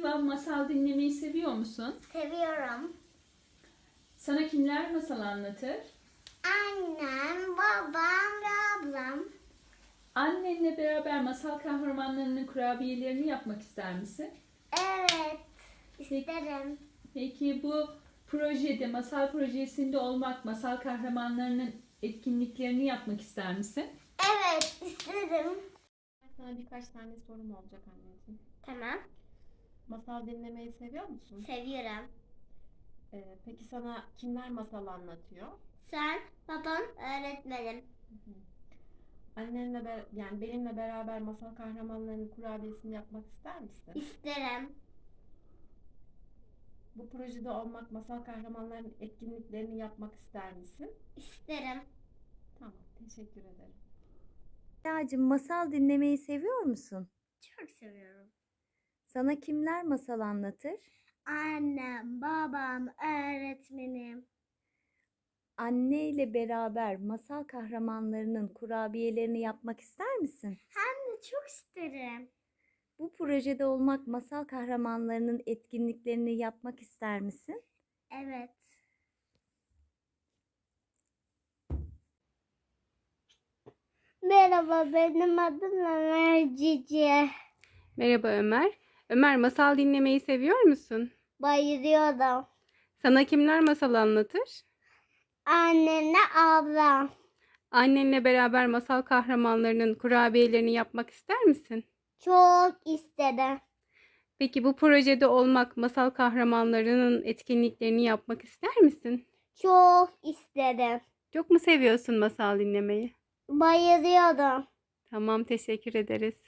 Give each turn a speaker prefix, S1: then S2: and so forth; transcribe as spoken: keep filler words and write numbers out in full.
S1: Merhaba, masal dinlemeyi seviyor musun?
S2: Seviyorum.
S1: Sana kimler masal anlatır?
S2: Annem, babam ve ablam.
S1: Annenle beraber masal kahramanlarının kurabiyelerini yapmak ister misin?
S2: Evet,
S1: Peki,
S2: isterim.
S1: peki bu projede, masal projesinde olmak, masal kahramanlarının etkinliklerini yapmak ister misin?
S2: Evet, isterim.
S3: Sana birkaç tane sorum olacak anneciğim.
S2: Tamam,
S3: Masal dinlemeyi seviyor musun?
S2: seviyorum.
S3: Ee, peki sana kimler masal anlatıyor?
S2: Sen, babam, öğretmenim.
S3: Annenle be- yani benimle beraber masal kahramanlarının kurabiyesini yapmak ister misin?
S2: İsterim.
S3: Bu projede olmak, masal kahramanlarının etkinliklerini yapmak ister misin?
S2: İsterim.
S3: Tamam, teşekkür ederim.
S4: Yağcığım, masal dinlemeyi seviyor musun?
S2: Çok seviyorum.
S4: Sana kimler masal anlatır?
S2: Annem, babam, öğretmenim.
S4: Anne ile beraber masal kahramanlarının kurabiyelerini yapmak ister misin?
S2: Hem de çok isterim.
S4: Bu projede olmak, masal kahramanlarının etkinliklerini yapmak ister misin?
S2: Evet. Merhaba, benim adım Ömer Cici.
S5: Merhaba Ömer. Ömer, masal dinlemeyi seviyor musun?
S2: Bayılıyorum.
S5: Sana kimler masal anlatır?
S2: Annemle ablam.
S5: Annenle beraber masal kahramanlarının kurabiyelerini yapmak ister misin?
S2: Çok isterim.
S5: Peki bu projede olmak, masal kahramanlarının etkinliklerini yapmak ister misin?
S2: Çok isterim.
S5: Çok mu seviyorsun masal dinlemeyi?
S2: Bayılıyorum.
S5: Tamam, teşekkür ederiz.